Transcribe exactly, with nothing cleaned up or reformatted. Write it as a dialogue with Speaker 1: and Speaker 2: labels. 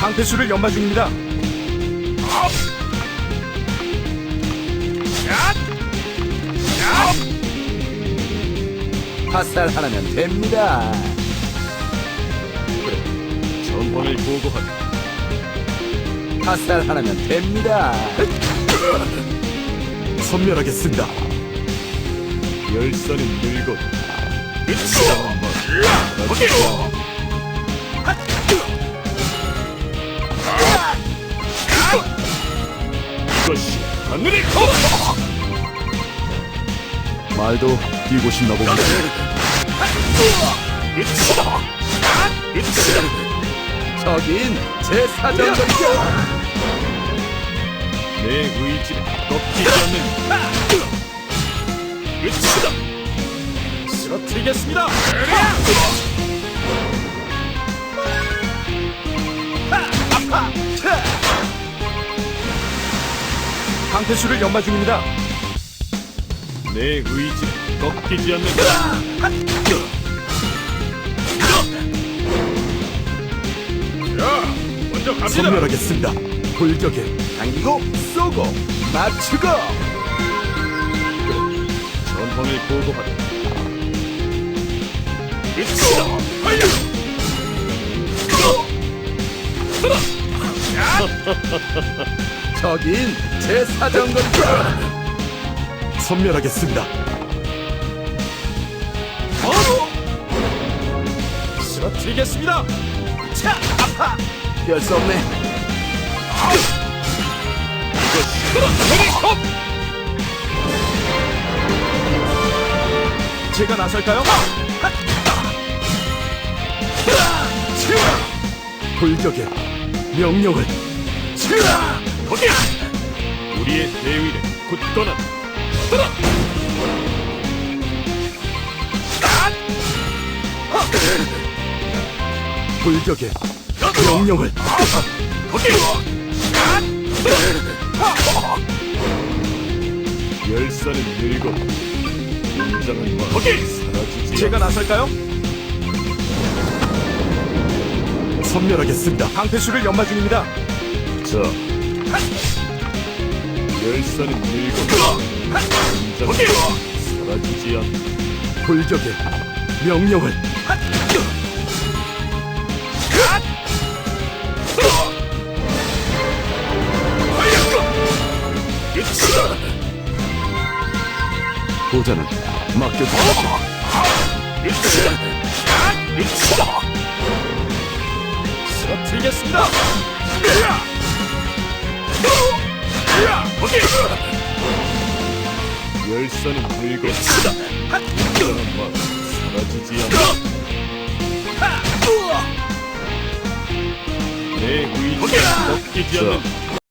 Speaker 1: 방패수를 연마 중입니다.
Speaker 2: 화살 하나면 됩니다.
Speaker 1: 전황을 보고하라.
Speaker 2: 화살 하나면 됩니다.
Speaker 1: 선멸하겠습니다. 열선은 늙어. 이것이 하늘의 검!
Speaker 2: 말도 뛰고 싶나 봅니다. 저긴 제 사정거리죠.
Speaker 1: 내 의지는 꺾이지 않는 으치다! 쓰러뜨리겠습니다! 방패수를 연마 중입니다. 내 의지는 꺾이지 않는 자, 먼저 갑니다!
Speaker 2: 선멸하겠습니다. 돌격에 당기고 쏘고 맞추고.
Speaker 1: 전황을 보고하라. 으치다! 하여!
Speaker 2: 저긴 제 사정거리죠.
Speaker 1: 선멸하겠습니다. 바로 쓰러뜨리겠습니다.
Speaker 2: 차! 아파! 별 수 없네.
Speaker 1: 제가 나설까요?
Speaker 2: 돌격에 명령을.
Speaker 1: 거기! 우리의 대위는 굳건한
Speaker 2: 돌격에 명령을.
Speaker 1: 거기! 열사는 늙어 인장은 마 거기! 사라지지 제가 나설까요?
Speaker 2: 선멸하겠습니다.
Speaker 1: 방패수를 연마 중입니다. 자, 열사는 늙어 인장은 사라지지 않
Speaker 2: 돌격에 명령을. 보자는 맡겨주십시오.
Speaker 1: 쓰러뜨리겠습니다. 열사는 늙어 인장은 마 사라지지 않 내 의지가 꺾이지 않는